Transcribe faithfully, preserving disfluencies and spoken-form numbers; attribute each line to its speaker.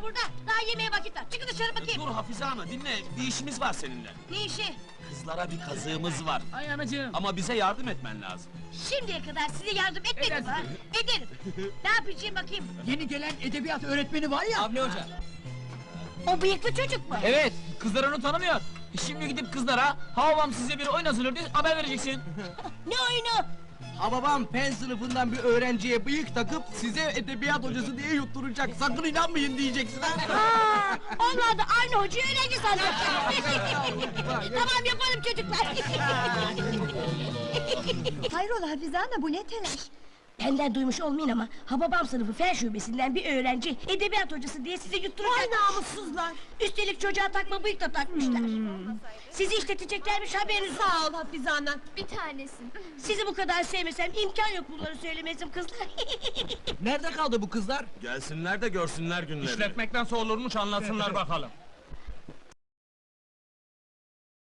Speaker 1: burada? Daha yemeğe vakit var. Çıkın dışarı bakayım.
Speaker 2: Dur Hafize Ana dinle, bir işimiz var seninle.
Speaker 1: Ne işi?
Speaker 2: Kızlara bir kazığımız var.
Speaker 3: Ay anacığım.
Speaker 2: Ama bize yardım etmen lazım.
Speaker 1: Şimdiye kadar size yardım etmedim
Speaker 3: Edersin.
Speaker 1: ha? Ederim. Ne yapacağım bakayım?
Speaker 4: Yeni gelen edebiyat öğretmeni var ya.
Speaker 3: Avni Hoca.
Speaker 1: O bıyıklı çocuk mu?
Speaker 3: Evet, kızlar onu tanımıyor. Şimdi gidip kızlara, Havvam size bir oyun hazırlıyor diye haber vereceksin.
Speaker 1: Ne oyunu?
Speaker 4: Hababam pen sınıfından bir öğrenciye bıyık takıp size edebiyat hocası diye yutturacak. Sakın inanmayın diyeceksin ha.
Speaker 1: Aa, onlar da aynı hocayı öğrenci sanacak. Tamam yapalım çocuklar.
Speaker 5: Hayrola Hafize Ana, bu ne telaş?
Speaker 1: Benden duymuş olmayın ama Hababam sınıfı fen şubesinden bir öğrenci edebiyat hocası diye sizi yutturacak.
Speaker 5: Vay namussuzlar!
Speaker 1: Üstelik çocuğa takma bıyık da takmışlar. Sizi işleteceklermiş haberiniz yok.
Speaker 5: Sağ ol Hafize Ana.
Speaker 6: Bir tanesin.
Speaker 1: Sizi bu kadar sevmesem imkan yok bunları söylemezdim kızlar.
Speaker 4: Nerede kaldı bu kızlar?
Speaker 2: Gelsinler de görsünler günlerini.
Speaker 3: İşletmekten sorulurmuş anlatsınlar bakalım.